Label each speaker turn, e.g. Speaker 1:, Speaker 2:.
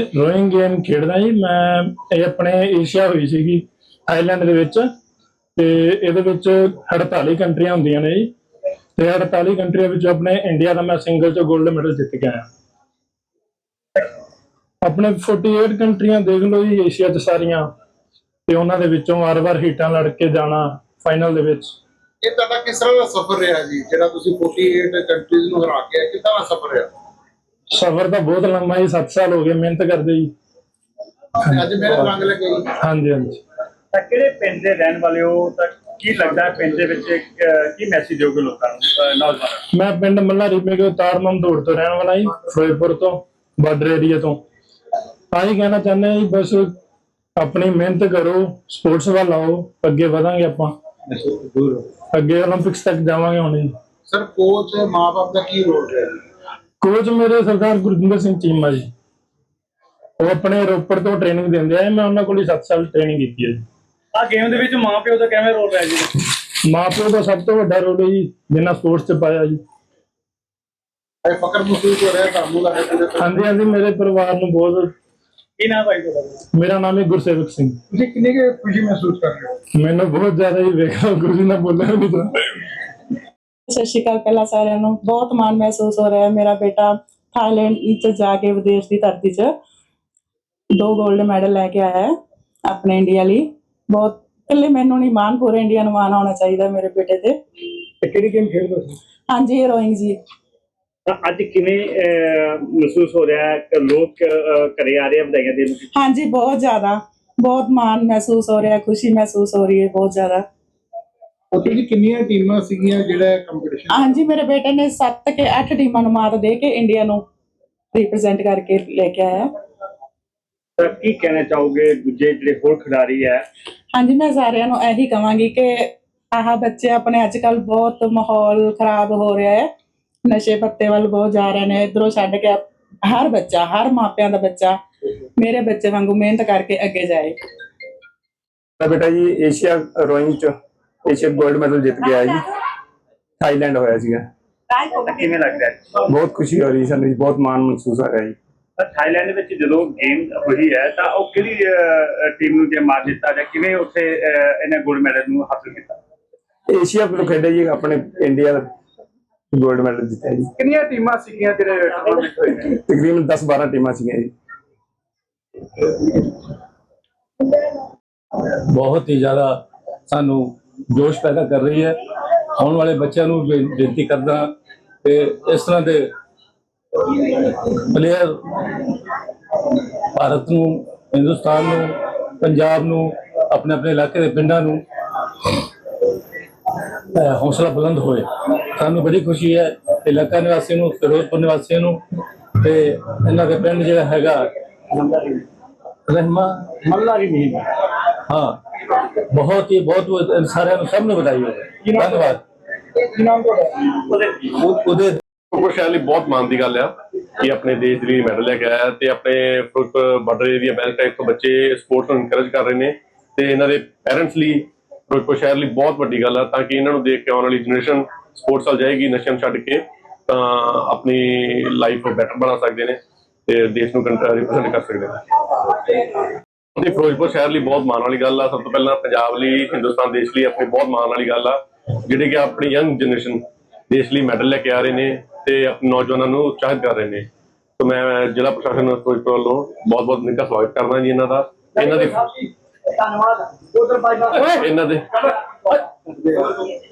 Speaker 1: Rowing game ਖੇਡਦਾ ਜੀ ਮੈਂ। ਇਹ ਆਪਣੇ ਏਸ਼ੀਆ ਹੋਈ ਸੀਗੀ ਥਾਈਲੈਂਡ ਦੇ ਵਿੱਚ, ਤੇ ਇਹਦੇ ਵਿੱਚ 48 ਕੰਟਰੀਆਂ ਹੁੰਦੀਆਂ ਨੇ ਜੀ, ਤੇ 48 ਕੰਟਰੀਆਂ ਵਿੱਚ ਆਪਣੇ ਇੰਡੀਆ ਦਾ ਮੈਂ ਸਿੰਗਲ ਚ 골ਡ ਮੈਡਲ ਜਿੱਤ ਕੇ ਆਇਆ। ਆਪਣੇ 48 ਕੰਟਰੀਆਂ ਦੇਖ ਲਓ ਜੀ ਏਸ਼ੀਆ ਚ ਸਾਰੀਆਂ, ਤੇ ਉਹਨਾਂ ਦੇ ਵਿੱਚੋਂ ਵਾਰ-ਵਾਰ ਹੀਟਾਂ ਲੜ ਕੇ ਜਾਣਾ ਫਾਈਨਲ ਦੇ ਵਿੱਚ।
Speaker 2: ਇਹ ਤੁਹਾਡਾ ਕਿਸ ਤਰ੍ਹਾਂ ਦਾ ਸਫ਼ਰ ਰਿਹਾ ਜੀ, ਜਿਹੜਾ ਤੁਸੀਂ 48 ਕੰਟਰੀਜ਼ ਨੂੰ ਹਰਾ ਕੇ ਕਿੱਦਾਂ ਦਾ ਸਫ਼ਰ ਰਿਹਾ?
Speaker 1: ਸਫ਼ਰ ਤਾਂ ਬਹੁਤ ਲੰਮਾ ਜੀ, 7 ਸਾਲ ਹੋ ਗਏ ਮਿਹਨਤ ਕਰਦੇ ਜੀ।
Speaker 2: ਅੱਜ ਮੇਰੇ ਰੰਗ ਲੱਗੇ ਜੀ।
Speaker 1: ਹਾਂਜੀ ਹਾਂਜੀ।
Speaker 3: ਤਾਂ ਕਿਹੜੇ ਪਿੰਡ ਦੇ ਰਹਿਣ ਵਾਲੇ ਹੋ, ਤਾਂ ਕੀ ਲੱਗਦਾ ਹੈ ਪਿੰਡ ਦੇ ਵਿੱਚ ਕੀ ਮੈਸੇਜ ਦਿਓਗੇ ਲੋਕਾਂ ਨੂੰ, ਨੌਜਵਾਨਾਂ
Speaker 1: ਮੈਂ ਪਿੰਡ ਮੱਲਾ ਰੀਮੇ ਕੇ ਤਾਰ ਮਮਦੋੜ ਤੋਂ ਰਹਿਣ ਵਾਲਾ ਜੀ, ਫਿਰੋਜ਼ਪੁਰ ਤੋਂ, ਬਾਰਡਰ ਏਰੀਆ ਤੋਂ। ਤਾਂ ਹੀ ਕਹਿਣਾ ਚਾਹੁੰਦੇ ਜੀ, ਬਸ ਆਪਣੀ ਮਿਹਨਤ ਕਰੋ, ਸਪੋਰਟਸ ਵੱਲ ਆਓ, ਅੱਗੇ ਵਧਾਂਗੇ ਆਪਾਂ, ਅੱਗੇ ਓਲੰਪਿਕਸ ਤੱਕ ਜਾਵਾਂਗੇ ਹੁਣ ਜੀ।
Speaker 2: ਸਰ ਕੋਚ ਮਾਂ-ਬਾਪ ਦਾ ਕੀ ਰੋਲ ਰਿਹਾ?
Speaker 1: ਕੋਚ ਮੇਰੇ ਸਰਦਾਰ ਗੁਰਜਿੰਦਰ ਸਿੰਘ ਚੀਮਾ ਜੀ, ਉਹ ਆਪਣੇ ਰੋਪੜ ਤੋਂ ਟ੍ਰੇਨਿੰਗ ਦਿੰਦੇ ਆ। ਮੈਂ ਉਹਨਾਂ ਕੋਲ 7 ਸਾਲ ਟ੍ਰੇਨਿੰਗ ਕੀਤੀ ਹੈ ਜੀ।
Speaker 3: ਆ ਗੇਮ ਦੇ ਵਿੱਚ ਮਾਂ ਪਿਓ ਦਾ ਕਿਵੇਂ ਰੋਲ ਰਿਹਾ ਜੀ?
Speaker 1: ਮਾਂ ਪਿਓ ਦਾ ਸਭ ਤੋਂ ਵੱਡਾ ਰੋਲ ਹੈ ਜੀ, ਜਿੰਨਾ ਸਪੋਰਟਸ 'ਚ ਪਾਇਆ ਜੀ।
Speaker 2: ਫਕਰ ਮਹਿਸੂਸ ਹੋ ਰਿਹਾ ਤੁਹਾਨੂੰ ਲੱਗੇ ਪੂਰੇ?
Speaker 1: ਹਾਂਜੀ ਹਾਂਜੀ, ਮੇਰੇ ਪਰਿਵਾਰ ਨੂੰ ਬਹੁਤ।
Speaker 3: ਕੀ ਨਾਮ ਭਾਈ ਤੁਹਾਡਾ?
Speaker 1: ਮੇਰਾ ਨਾਮ ਹੈ ਗੁਰਸੇਵਕ ਸਿੰਘ।
Speaker 2: ਤੁਸੀਂ ਕਿੰਨੀ ਕੁ ਖੁਸ਼ੀ ਮਹਿਸੂਸ ਕਰ ਰਹੇ ਹੋ?
Speaker 1: ਮੈਨੂੰ ਬਹੁਤ ਜ਼ਿਆਦਾ ਹੀ ਵੇਖਾ ਗੁਰੂ ਨਾਲ ਬੋਲਿਆ ਨਹੀਂ ਤਾਂ।
Speaker 4: ਸਤਿ ਸ਼੍ਰੀ ਅਕਾਲ ਪਹਿਲਾਂ ਸਾਰਿਆਂ ਨੂੰ। ਬਹੁਤ ਮਾਣ ਮਹਿਸੂਸ ਹੋ ਰਿਹਾ ਹੈ। ਮੇਰਾ ਬੇਟਾ ਥਾਈਲੈਂਡ ਚ ਜਾ ਕੇ ਵਿਦੇਸ਼ ਦੀ ਧਰਤੀ 'ਚ 2 골ਡ ਮੈਡਲ ਲੈ ਕੇ ਆਇਆ ਹੈ ਆਪਣੇ ਇੰਡੀਆ ਲਈ। ਬਹੁਤ ਇਕੱਲੇ ਮੈਨੂੰ ਨਹੀਂ, ਮਾਣ ਪੂਰੇ ਇੰਡੀਆ ਨੂੰ ਮਾਣ ਹੋਣਾ ਚਾਹੀਦਾ ਮੇਰੇ ਬੇਟੇ ਤੇ।
Speaker 1: ਕਿਹੜੀ ਗੇਮ ਖੇਡਦਾ ਸੀ?
Speaker 4: ਹਾਂਜੀ, ਰੋਇੰਗ ਜੀ।
Speaker 3: ਤਾਂ ਅੱਜ ਕਿਵੇਂ ਮਹਿਸੂਸ ਹੋ ਰਿਹਾ ਹੈ, ਲੋਕ ਘਰੇ ਆ ਰਹੇ ਆ ਵਧਾਈਆਂ ਦੇਣ?
Speaker 4: ਹਾਂਜੀ, ਬਹੁਤ ਜ਼ਿਆਦਾ, ਬਹੁਤ ਮਾਣ ਮਹਿਸੂਸ ਹੋ ਰਿਹਾ, ਖੁਸ਼ੀ ਮਹਿਸੂਸ ਹੋ ਰਹੀ ਹੈ ਬਹੁਤ ਜ਼ਿਆਦਾ।
Speaker 2: ਉੱਥੇ ਜੀ ਕਿੰਨੀਆਂ ਟੀਮਾਂ ਸੀਗੀਆਂ ਜਿਹੜਾ ਕੰਪੀਟੀਸ਼ਨ?
Speaker 4: ਹਾਂਜੀ, ਮੇਰੇ ਬੇਟੇ ਨੇ 7 ਕੇ 8 ਟੀਮਾਂ ਨੂੰ ਮਾਤ ਦੇ ਕੇ ਇੰਡੀਆ ਨੂੰ ਰਿਪਰੈਜ਼ੈਂਟ ਕਰਕੇ ਲੈ ਕੇ ਆਇਆ।
Speaker 3: ਤਾਂ ਕੀ ਕਹਿਣਾ ਚਾਹੋਗੇ ਦੂਜੇ ਜਿਹੜੇ ਹੋਰ ਖਿਡਾਰੀ ਹੈ?
Speaker 4: ਹਾਂਜੀ, ਮੈਂ ਸਾਰਿਆਂ ਨੂੰ ਇਹੀ ਕਹਾਂਗੀ ਕਿ ਆਹ ਬੱਚੇ ਆਪਣੇ ਅੱਜ ਕੱਲ੍ਹ ਬਹੁਤ ਮਾਹੌਲ ਖਰਾਬ ਹੋ ਰਿਹਾ ਹੈ, ਨਸ਼ੇ ਪੱਤੇ ਵੱਲ ਬਹੁਤ ਜਾ ਰਹੇ ਨੇ। ਇੱਧਰੋਂ ਛੱਡ ਕੇ ਹਰ ਬੱਚਾ, ਹਰ ਮਾਪਿਆਂ ਦਾ ਬੱਚਾ ਮੇਰੇ ਬੱਚੇ ਵਾਂਗੂ ਮਿਹਨਤ ਕਰਕੇ ਅੱਗੇ ਜਾਏ।
Speaker 5: ਬੇਟਾ ਜੀ ਏਸ਼ੀਆ ਰੋਇੰਗ ਚ ਏਸ਼ੀਆ 골ਡ ਮੈਡਲ ਜਿੱਤ ਗਿਆ ਜੀ, ਥਾਈਲੈਂਡ ਹੋਇਆ ਸੀਗਾ।
Speaker 3: ਤਾਂ ਕਿਵੇਂ ਲੱਗ ਰਿਹਾ ਹੈ?
Speaker 5: ਬਹੁਤ ਖੁਸ਼ੀ ਹੋ ਰਹੀ ਸਾਨੂੰ ਜੀ, ਬਹੁਤ ਮਾਣ ਮਹਿਸੂਸ ਹੋ ਰਿਹਾ ਜੀ।
Speaker 3: ਤਾਂ ਥਾਈਲੈਂਡ ਵਿੱਚ ਜਦੋਂ ਗੇਮ ਹੋਈ ਹੈ ਤਾਂ ਉਹ ਕਿਹੜੀ ਟੀਮ ਨੂੰ ਜੇ ਮਾਰ ਦਿੱਤਾ ਜਾਂ ਕਿਵੇਂ ਉੱਥੇ ਇਹਨੇ 골ਡ ਮੈਡਲ ਨੂੰ ਹਾਸਲ ਕੀਤਾ?
Speaker 5: ਏਸ਼ੀਆ ਤੋਂ ਖੇਡੇ ਜੀ, ਆਪਣੇ ਇੰਡੀਆ ਦਾ 골ਡ ਮੈਡਲ ਜਿੱਤਿਆ ਜੀ।
Speaker 2: ਕਿੰਨੀਆਂ ਟੀਮਾਂ ਸੀਗੀਆਂ ਜਿਹੜੇ ਟੂਰਨਾਮੈਂਟ ਹੋਏ ਨੇ?
Speaker 5: ਤਕਰੀਬਨ 10-12 ਟੀਮਾਂ ਸੀਗੀਆਂ ਜੀ।
Speaker 6: ਬਹੁਤ ਹੀ ਜ਼ਿਆਦਾ ਸਾਨੂੰ ਜੋਸ਼ ਪੈਦਾ ਕਰ ਰਹੀ ਹੈ। ਆਉਣ ਵਾਲੇ ਬੱਚਿਆਂ ਨੂੰ ਬੇਨਤੀ ਕਰਦਾ ਕਿ ਇਸ ਤਰ੍ਹਾਂ ਦੇ ਪਲੇਅਰ ਭਾਰਤ ਨੂੰ, ਹਿੰਦੁਸਤਾਨ ਨੂੰ, ਪੰਜਾਬ ਨੂੰ, ਆਪਣੇ ਆਪਣੇ ਇਲਾਕੇ ਦੇ ਪਿੰਡਾਂ ਨੂੰ ਹੌਸਲਾ ਬੁਲੰਦ ਹੋਏ। ਸਾਨੂੰ ਬੜੀ ਖੁਸ਼ੀ ਹੈ ਇਲਾਕਾ ਨਿਵਾਸੀਆਂ ਨੂੰ, ਫਿਰੋਜ਼ਪੁਰ ਨਿਵਾਸੀਆਂ ਨੂੰ, ਤੇ ਇਹਨਾਂ ਦੇ ਪਿੰਡ ਜਿਹੜਾ ਹੈਗਾ ਰਹਿਮਾ ਮੱਲਾ ਰੀਮੇ। ਹਾਂ, ਬਹੁਤ ਹੀ ਬਹੁਤ ਸਾਰਿਆਂ ਨੂੰ, ਸਭ ਨੂੰ ਵਧਾਈ ਹੋਵੇ। ਧੰਨਵਾਦ।
Speaker 5: ਉਹਦੇ
Speaker 7: ਫਿਰੋਜ਼ਪੁਰ ਸ਼ਹਿਰ ਲਈ ਬਹੁਤ ਮਾਣ ਦੀ ਗੱਲ ਆ ਕਿ ਆਪਣੇ ਦੇਸ਼ ਦੇ ਲਈ ਮੈਡਲ ਲੈ ਕੇ ਆਇਆ, ਤੇ ਆਪਣੇ ਫਿਰੋਜ਼ਪੁਰ ਬਾਰਡਰ ਏਰੀਆ ਬੈਲਟਾਈਪ ਤੋਂ ਬੱਚੇ ਸਪੋਰਟਸ ਨੂੰ ਇਨਕਰੇਜ ਕਰ ਰਹੇ ਨੇ, ਤੇ ਇਹਨਾਂ ਦੇ ਪੈਰੈਂਟਸ ਲਈ ਫਿਰੋਜ਼ਪੁਰ ਸ਼ਹਿਰ ਲਈ ਬਹੁਤ ਵੱਡੀ ਗੱਲ ਆ, ਤਾਂ ਕਿ ਇਹਨਾਂ ਨੂੰ ਦੇਖ ਕੇ ਆਉਣ ਵਾਲੀ ਜਨਰੇਸ਼ਨ ਸਪੋਰਟਸ ਵੱਲ ਜਾਏਗੀ, ਨਸ਼ਿਆਂ ਨੂੰ ਛੱਡ ਕੇ ਤਾਂ ਆਪਣੀ ਲਾਈਫ ਬੈਟਰ ਬਣਾ ਸਕਦੇ ਨੇ ਤੇ ਦੇਸ਼ ਨੂੰ ਰਿਪਰੈਜ਼ੈਂਟ ਕਰ ਸਕਦੇ ਨੇ। ਤੇ ਫਿਰੋਜ਼ਪੁਰ ਸ਼ਹਿਰ ਲਈ ਬਹੁਤ ਮਾਣ ਵਾਲੀ ਗੱਲ ਆ। ਸਭ ਤੋਂ ਪਹਿਲਾਂ ਪੰਜਾਬ ਲਈ, ਹਿੰਦੁਸਤਾਨ ਦੇਸ਼ ਲਈ ਆਪਣੀ ਬਹੁਤ ਮਾਣ ਵਾਲੀ ਗੱਲ ਆ, ਜਿਹੜੇ ਕਿ ਆਪਣੀ ਯੰਗ ਜਨਰੇਸ਼ਨ ਦੇਸ਼ ਲਈ ਮੈਡਲ ਲੈ ਕੇ ਆ ਰਹੇ ਨੇ ਤੇ ਆਪਣੇ ਨੌਜਵਾਨਾਂ ਨੂੰ ਉਤਸ਼ਾਹਿਤ ਕਰ ਰਹੇ ਨੇ। ਤਾਂ ਮੈਂ ਜ਼ਿਲ੍ਹਾ ਪ੍ਰਸ਼ਾਸਨ ਫਿਰੋਜ਼ਪੁਰ ਵੱਲੋਂ ਬਹੁਤ ਬਹੁਤ ਨਿੱਘਾ ਸਵਾਗਤ ਕਰਦਾ ਜੀ ਇਹਨਾਂ ਦਾ। ਇਹਨਾਂ ਦੇ